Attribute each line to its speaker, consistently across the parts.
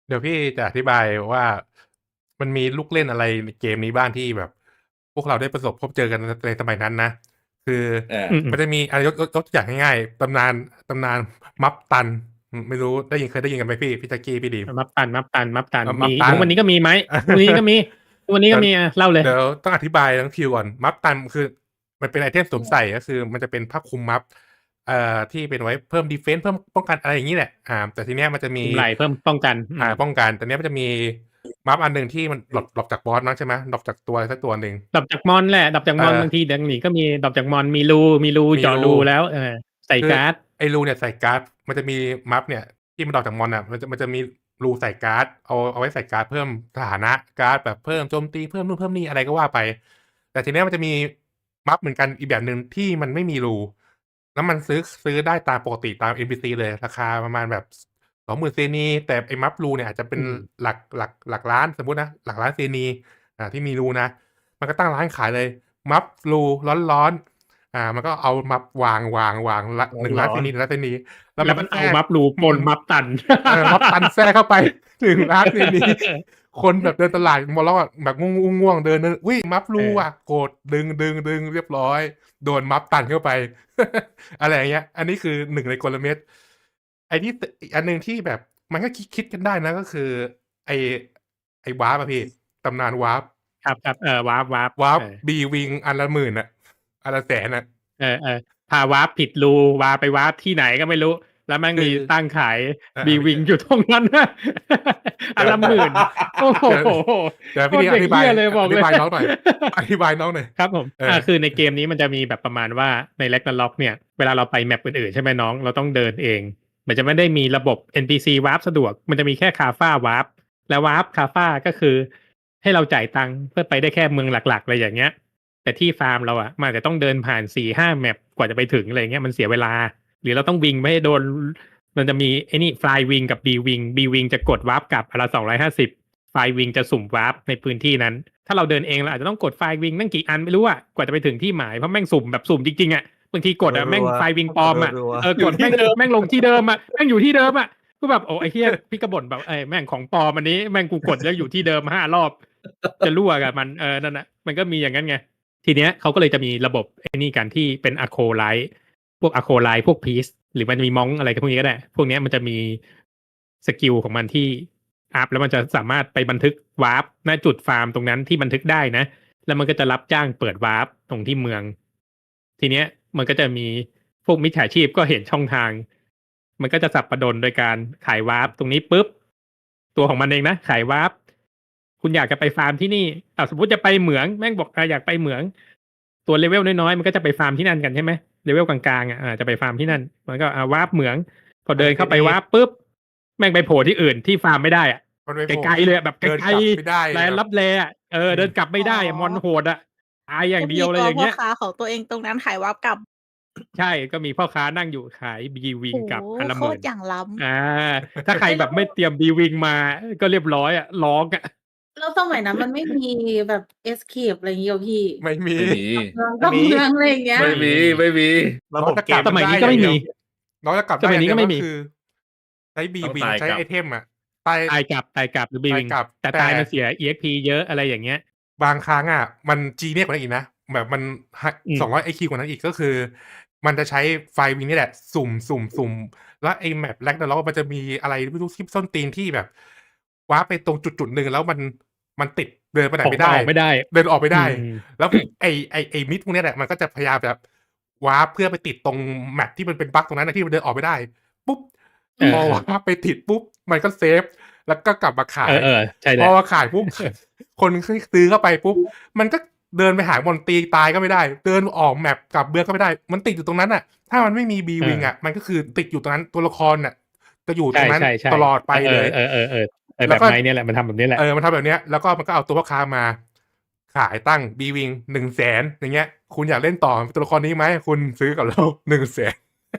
Speaker 1: เดี๋ยวพี่จะอธิบายว่ามันมีลูกเล่นอะไรในเกมนี้บ้างที่แบบ พวกเราได้ประสบพบเจอกันในสมัยนั้นนะ คือ
Speaker 2: อ่า
Speaker 1: มันจะมีอะไรยกตัวอย่างง่ายๆตำนานมัฟตันไม่รู้เคยได้ยินกันไหมพี่แจ็คกี้พี่ดีม
Speaker 2: มับตันมี
Speaker 1: มัฟตัน
Speaker 2: ทุกวันนี้ก็มีไหมทุกวันนี้ก็มีทุกวันนี้
Speaker 1: เดี๋ยว
Speaker 2: ก็มีเล่าเลย
Speaker 1: เดี๋ยวต้องอธิบายทั้งคิวก่อนมัฟตันคือมันเป็นไอเทมสวมใส่ก็คือมันจะเป็นผ้าคลุมมัฟที่เป็นไว้เพิ่มดีเฟนส์เพิ่มป้องกันอะไรอย่างนี้แหละแต่ทีเนี้ยมันจะมี
Speaker 2: คุมไหลเพิ่มป้องกัน
Speaker 1: ป้องกันแต่เนี้ยมันจะมีมัฟอันหนึ่งที่มันหลบจากบอสมั้งใช่ไหมหลบจากตัวอะไรสักตัวหนึ่ง
Speaker 2: ดับจากมอนแหละดับจาก
Speaker 1: เออ
Speaker 2: มอนบางทีเดี๋ยวหนีก็มีดับจากมอนมีรู
Speaker 1: มีรู
Speaker 2: เจาะรูแล้วใส่
Speaker 1: คือ
Speaker 2: การ์ด
Speaker 1: ไอ้รูเนี่ยใส่การ์ดมันจะมีมัฟเนี่ยที่มันดอกจากมอนอ่ะมันจะมีรูใส่การ์ดเอาไว้ใส่การ์ดเพิ่มสถานะการ์ดแบบเพิ่มโจมตีเพิ่มนู่นเพิ่มนี่อะไรก็ว่าไปแต่ทีเนี้ยมันจะมีมัฟเหมือนกันอีกแบบหนึ่งที่มันไม่มีรูแล้วมันซื้อได้ตามปกติตาม NPC เลยราคาประมาณแบบ20,000เซนีแต่ไอ้มัฟรูเนี่ยอาจจะเป็นหลักล้านสมมุตินะหลักล้านเซนีที่มีรูนะมันก็ตั้งร้านขายเลยมัฟรูร้อนๆ มันก็เอามาวางละหนึ่ง
Speaker 2: หรอ
Speaker 1: ล้านเซนี1,000,000เซนีแล้ว
Speaker 2: แล้วมันเอา
Speaker 1: มันก็แทรก
Speaker 2: มับรูปนมับตัน
Speaker 1: ม็อบตันแทรกเข้าไป1,000,000เซนีคนแบบเดินตลาดมองแล้วอะแบบง่วงๆเดินอุ๊ยมัฟรูอะโกรธดึงเรียบร้อยโดนมัฟตันเข้าไปอะไรอย่างเงี้ยอันนี้คือหนึ่งในกลเม็ดไอ้ที่อีกอันหนึ่งที่แบบมันก็คิดกันได้นะก็คือไอ้ไอ้วาร์ปอะพี่ตำนานวาร์ป
Speaker 2: ครับวาร์ป
Speaker 1: วาร์ปบีวิงอันละหมื่นอะอันละแสนอะ
Speaker 2: พาวาร์ปผิดรูวาไปวาร์ปที่ไหนก็ไม่รู้แล้วมันมี
Speaker 1: คือ
Speaker 2: ตั้งขายบี
Speaker 1: พี่
Speaker 2: วิงอยู่ตรงนั้นอันละหมื่นโอ้โห
Speaker 1: เดี๋ยวเดี๋ยวพี่
Speaker 2: โคตรเด็ก
Speaker 1: ดีอธิบาย
Speaker 2: เหี้ยเลยบอก
Speaker 1: อ
Speaker 2: เลย
Speaker 1: ธิบายน้องหน่อยอธิบายน้องหน่อย
Speaker 2: ครับผม
Speaker 1: เออ
Speaker 2: คือในเกมนี้มันจะมีแบบประมาณว่าใน Ragnarok เนี่ยเวลาเราไปแมปอื่นๆใช่ไหมน้องเราต้องเดินเองมันจะไม่ได้มีระบบ NPC วาร์ปสะดวกมันจะมีแค่คาฟ้าวาร์ปและวาร์ปคาฟ้าก็คือให้เราจ่ายตังค์เพื่อไปได้แค่เมืองหลักๆอะไรอย่างเงี้ยแต่ที่ฟาร์มเราอ่ะมันอาจจะต้องเดินผ่าน4-5แมปกว่าจะไปถึงอะไรเงี้ยมันเสียเวลาหรือเราต้องวิ่งไม่ให้โดนมันจะมีไอ้นี่ Fly Wing กับ B Wing B Wing จะกดวาร์ปกลับอนละ250 Fly Wing จะสุ่มวาร์ปในพื้นที่นั้น ถ้าเราเดินเองเราอาจจะต้องกดไฟล์วิงนั่งกี่อันไม่รู้อะกว่าจะไปถึงที่หมายเพราะแม่งสุ่มแบบสุ่มจริงๆอะบางทีกดอะแม่ง
Speaker 3: รัว
Speaker 2: ไฟล์วิงปลอมอะ
Speaker 3: รัว
Speaker 2: กดแม่งลงที่เดิมอะแม่งอยู่ที่เดิมอะก็แบบโอ้ไอ้เหี้ยพี่กระบ่นแบบแม่งของปลอมอันนี้แม่งกูกดแล้วอยู่ที่เดิม5 รอบจะรั่วกับมันนั่นนะมันก็มีอย่างนั้นไงทีเนี้ยเขาก็เลยจะมีระบบไอ้นี่กันที่เป็นอะโคไลท์พวกอะโคไลท์พวกพีซหรือมันจะมีมองอะไรกันพวกนี้ก็ได้พวกเนี้ยมันจะมีสกิลของมันที่ อัพแล้วมันจะสามารถไปบันทึกวาร์ปณจุดฟาร์มตรงนั้นที่บันทึกได้นะแล้วมันก็จะรับจ้างเปิดวาร์ปตรงที่เมืองทีเนี้ยมันก็จะมีพวกมิจฉาชีพก็เห็นช่องทางมันก็จะสับประดนโดยการขายวาร์ปตรงนี้ปุ๊บตัวของมันเองนะขายวาร์ปคุณอยากจะไปฟาร์มที่นี่สมมติจะไปเหมืองแม่งบอกอยากไปเหมืองตัวเลเวลน้อยๆมันก็จะไปฟาร์มที่นั่นกันใช่ไหมเลเวลกลางๆจะไปฟาร์มที่นั่นมันก็วาร์ปเหมืองพอเดินเข้าไปวาร์ปปุ๊บแม่งไปโผล่ที่อื่นที่ฟาร์มไม่ได้อะ
Speaker 1: มันไป
Speaker 2: ไ
Speaker 1: โผล่
Speaker 2: กลๆเลยอะแบบไก
Speaker 1: เดิน
Speaker 2: ล
Speaker 1: กลับไม่ได้
Speaker 2: ๆแล
Speaker 1: แบบ
Speaker 2: ลับแลอะเดินกลับไม่ได้อะมอนโหดอะตายอย่าง
Speaker 4: ก็มี
Speaker 2: เดียวเลย
Speaker 4: ตัวพ่อ
Speaker 2: อย่างเงี้ย
Speaker 4: ค้าของตัวเองตรงนั้นขายวาร์ปกลับ
Speaker 2: ใช่ก็มีพ่อค้านั่งอยู่ขายบีวิง
Speaker 4: โอ้โฮ
Speaker 2: กับอันละ
Speaker 4: โค
Speaker 2: หมื่น
Speaker 4: ตรอย่างล้
Speaker 2: อาถ้าใครแบบไม่เตรียมบีวิงมาก็เรียบร้อยอะร้องอะ
Speaker 5: แล้วสมัยนั้นมันไม่มีแบบ escape อะไรงี้เหรอพี่
Speaker 1: ไม่มี
Speaker 2: ไม่มี
Speaker 5: กลับเมืองอะไรอย่างเงี้ย
Speaker 2: ไม่มี
Speaker 3: ระ
Speaker 1: น้
Speaker 3: บ
Speaker 1: อง
Speaker 3: บ
Speaker 1: จะ
Speaker 3: เก
Speaker 1: กลับ
Speaker 3: ม
Speaker 2: สมัยนี้
Speaker 1: ได้
Speaker 2: ก็
Speaker 1: อย่าง
Speaker 2: ไม่
Speaker 1: เดีย
Speaker 2: มี
Speaker 1: วน้องจะกลับ
Speaker 2: ส
Speaker 1: ได้อย่างเดียว
Speaker 2: มัยนี้ก็ไม่
Speaker 1: ก็
Speaker 2: มี
Speaker 1: คือใช้บี
Speaker 2: ต้อง
Speaker 1: วิง
Speaker 2: ตาย
Speaker 1: ใช้
Speaker 2: กลับ
Speaker 1: ไอเทมอะตาย
Speaker 2: ตายกลับหรือบี
Speaker 1: ตาย
Speaker 2: วิง
Speaker 1: กลับ
Speaker 2: แต่
Speaker 1: แต่
Speaker 2: ตายมันเสีย EXP เยอะอะไรอย่างเงี้ย
Speaker 1: บางครั้งอะมันจีเนียสกว่านั้นอีกนะแบบมัน200 IQ กว่านั้นอีกก็คือ มันจะใช้ไฟวิงนี่แหละสุ่มแล้วไอ้แมปแร็กนาร็อกมันจะมีอะไรไม่รู้ที่ส้นตีนที่แบบว้าร์ปไปตรงจุดหนึ่งแล้วมันติดเดินไปไหนไม่ได้
Speaker 2: ออกไม่ได้
Speaker 1: เดินออกไม่ได้
Speaker 2: อืม
Speaker 1: แล้วไอ้มิดพวกเนี้ยแหละมันก็จะพยายามแบบวาร์ปเพื่อไปติดตรงแมปที่มันเป็นบั๊กตรงนั้นนะที่มันเดินออกไม่ได้ปุ๊บพอวาร์ปไปติดปุ๊บมันก็เซฟ แล้วก็กลับมาขาย
Speaker 2: ใช่
Speaker 1: พ
Speaker 2: แล้
Speaker 1: อ
Speaker 2: ว
Speaker 1: มาขายปุ๊บ คนซื้อเข้าไปปุ๊บ มันก็เดินไปหามอนตีตายก็ไม่ได้ เดินออกแมปกลับเบืองก็ไม่ได้ มันติดอยู่ตรงนั้นอ่ะ ถ้ามันไม่มีบีวิงอ่ะ มันก็คือติดอยู่ตรงนั้นตัวละครน่ะจะอยู่ตรงนั้น
Speaker 2: ใช่
Speaker 1: ตลอดไปเลย
Speaker 2: แบ
Speaker 1: แล้ว
Speaker 2: บ
Speaker 1: ก็
Speaker 2: ไม้เนี่ยแหละมันทำแบบนี้แหละ
Speaker 1: มันทำแบบเนี้ย แล้วก็มันก็เอาตัวพ่อค้ามา ขายตั้งบีวิง100,000อย่างเงี้ย คุณอยากเล่นต่อตัวละครนี้ไหมคุณซื้อกับเรา100,000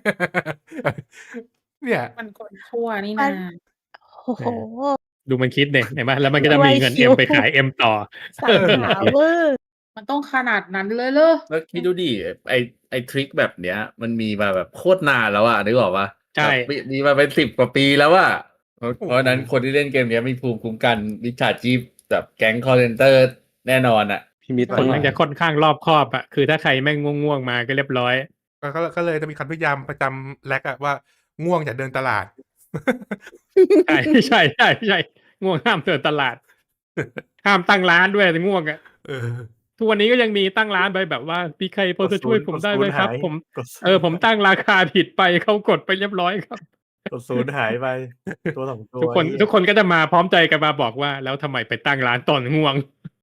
Speaker 1: เนี่ย
Speaker 5: มันคนชั่วนี่
Speaker 4: มั
Speaker 5: นาน
Speaker 4: โอ้โฮ
Speaker 2: ดูมันคิดเนี่ยเห็นไหมแล้วมันก็จะ
Speaker 4: ด้วย
Speaker 2: มีเงิน
Speaker 4: คิ
Speaker 2: M
Speaker 4: ว
Speaker 2: ไปขาย M ต่อ
Speaker 4: สรรหาเวอร์
Speaker 5: มันต้องขนาดนั้นเลยเหรอ
Speaker 3: แล้วคิดดูดิไอทริคแบบเนี้ย มันมีมาแบบโคตรนานแล้วอะนึกออกปะ
Speaker 2: ใช่
Speaker 3: แบบมีมาเป็น10 กว่าปีแล้วอะเพราะฉะนั้นคนที่เล่นเกมเนี้ยมีภูมิคุ้มกันมิจฉาชีพแบบแก๊งคอลเซนเตอร์แน่นอนอ่ะ
Speaker 6: พี่มิตร
Speaker 2: คนแม่งจะค่อนข้างรอบคอบอะคือถ้าใครแม่งง่วงๆมาก็เรียบร้อย
Speaker 1: ก็เลยจะมีคำนิยามประจำแลกอะว่าง่วงอย่าเดินตลาด
Speaker 2: ใช่ใช่ใช่ใช่ง่วงห้ามเดินตลาด ห้ามตั้งร้านด้วยง่วงอะ
Speaker 1: เออ
Speaker 2: ทุกวันนี้ก็ยังมีตั้งร้านไปแบบว่าพี่ใครพอจะช่วยผมได้ไหมครับ ผม
Speaker 6: กดศูนย์
Speaker 2: ผมตั้งราคาผิดไปเขากดไปเรียบร้อยครับ
Speaker 6: กดศูนย์หายไปตัวสองตัว
Speaker 2: ทุกคนก็จะมาพร้อมใจกันมาบอกว่าแล้วทำไมไปตั้งร้านตอนง่วง